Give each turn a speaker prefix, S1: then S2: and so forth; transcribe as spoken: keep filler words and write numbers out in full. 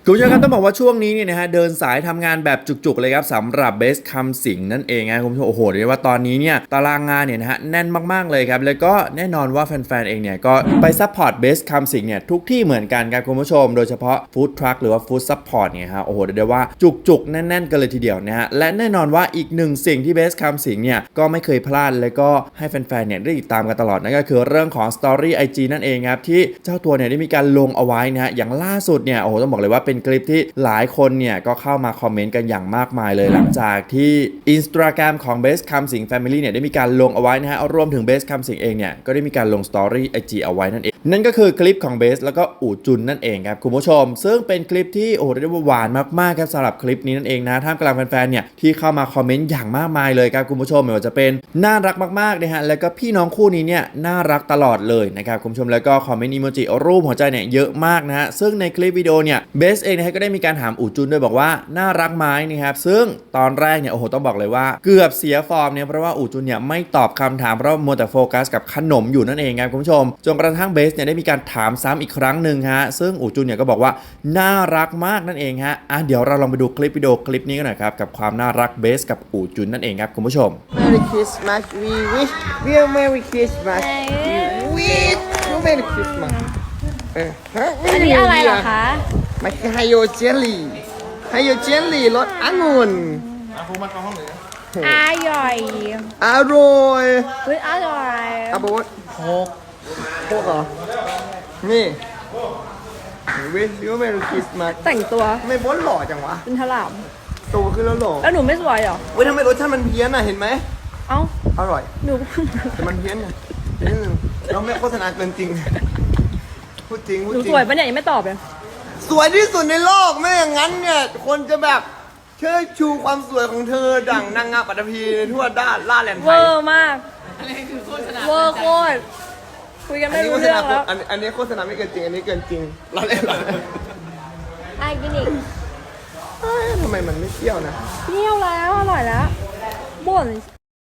S1: คุณผู้ชมครับต้องบอกว่าช่วงนี้เนี่ยนะฮะเดินสายทำงานแบบจุกๆเลยครับสำหรับเบสคำสิงนั่นเองนะคุณผู้ชมโอ้โหเรียกว่าตอนนี้เนี่ยตารางงานเนี่ยนะฮะแน่นมากๆเลยครับแล้วก็แน่นอนว่าแฟนๆเองเนี่ยก็ไปซัพพอร์ตเบสคำสิงเนี่ยทุกที่เหมือนกันครับคุณผู้ชมโดยเฉพาะฟู้ดทรัคหรือว่าฟู้ดซัพพอร์ตเนี่ยฮะโอ้โหเรียกได้ว่าจุกๆแน่นๆกันเลยทีเดียวนะฮะและแน่นอนว่าอีกหนึ่งสิ่งที่เบสคำสิงเนี่ยก็ไม่เคยพลาดแล้วก็ให้แฟนๆเนี่ยได้ติดตามกันตลอดนั่นก็คือเรื่องของ Story ไอ จี นั่นเองครับที่เจ้าตัวเนี่ยได้มีการลงเอาไว้นะฮะอย่างล่าสุดเนี่ยโอ้โหต้องบอกเลยว่าเป็นคลิปที่หลายคนเนี่ยก็เข้ามาคอมเมนต์กันอย่างมากมายเลยหลังจากที่ Instagram ของ Best คำสิง Family เนี่ยได้มีการลงเอาไว้นะฮะรวมถึง Best คำสิงเองเนี่ยก็ได้มีการลง Story ไอ จี เอาไว้นั่นเองนั่นก็คือคลิปของ Best แล้วก็อู่จุนนั่นเองครับคุณผู้ชมซึ่งเป็นคลิปที่โอ้โหเรียกว่าหวานมากๆครับสำหรับคลิปนี้นั่นเองนะท่ามกลางแฟนๆเนี่ยที่เข้ามาคอมเมนต์อย่างมากมายเลยครับคุณผู้ชมไม่ว่าจะเป็นน่ารักมากๆนะฮะแล้วก็พี่น้องคู่นี้เนี่ยน่ารักตลอดเลยนะครับคุณผู้ชมแล้วก็คอมเมนต์อีโมจิรูปหัวใจเนี่ยเยอะมากนะฮะซึ่งในคลิปวิดีโอเนี่ยเบสเองนะฮะก็ได้มีการถามอู่จุนด้วยบอกว่าน่ารักไหมนะครับซึ่งตอนแรกเนี่ยโอ้โหต้องบอกเลยว่าเกือบเสียฟอร์มเนี่ยเพราะว่าอู่จุนเนี่ยไม่ตอบคำถามเพราะมัวแต่โฟกัสกับขนมอยู่นั่นเองครับคุณผู้ชมจนกระทั่งเบสเนี่ยได้มีการถามซ้ำอีกครั้งหนึ่งฮะซึ่งอู่จุนเนี่ยก็บอกว่าน่ารักมากนั่นเองฮะอ่ะเดี๋ยวเราลองไปดูคลิปวิดีโอคลิปนี้กันหน่อยครับกับความน่ารักเบสกับอู่จุนนั่นเองครับคุณผู้ชม
S2: Merry Christmas we wish we are Merry Christmas we wish you Merry Christmas เออฮะ
S3: อันนี้อะไรเหรอคะ
S2: มันคือไฮโยเจลลี่ไฮโยเจลลี่รสองุ่น
S3: อร่อย
S2: อร่อย
S3: เฮ้ยอร่อย
S2: อาโบสโคกโคกเหรอนี่ wish you Merry Christmas
S3: แต่งตัว
S2: ทำไม่บอสหล่อจังวะ
S3: เป็นถลาม
S2: โตขึ้นแล้วหล่อ
S3: แล้วหนูไม่สวยเหรอ
S2: เว้ยทำไมรสชาติมันเพี้ยนอ่ะเห็นไหม
S3: เอ้า
S2: อร่อย
S3: หนู
S2: แต่มันเพี้ยนไงนิดนึงเราไม่โฆษณาเกินจริงพูดจริงพูด
S3: หนู
S2: จริง
S3: สวยปะเนี่ยยังไม่ตอบเลย
S2: สวยที่สุดในโลกไม่อย่างนั้นเนี่ยคนจะแบบเชิดชูความสวยของเธอดั่งนางงามปัตตภีทั่วด้านล่าแหลนไท
S3: เวย อร์มากอะไรคือโฆษณาเวอร์โคตรคุยกัน
S2: อัน
S3: ไม่
S2: นี้
S3: รู้
S2: โฆษ
S3: เรื่อ
S2: ณาง
S3: แล้ว
S2: อันอันนี้โฆษณาไม่เกินจริงอันนี้เกินจริงล่าเล่นล่าเล่น
S3: ไอ้กินอีก
S2: เอ้ยทำไมมันไม่เที่ยวนะ
S3: เที่ยวแล้วอร่อยแล้วบ่น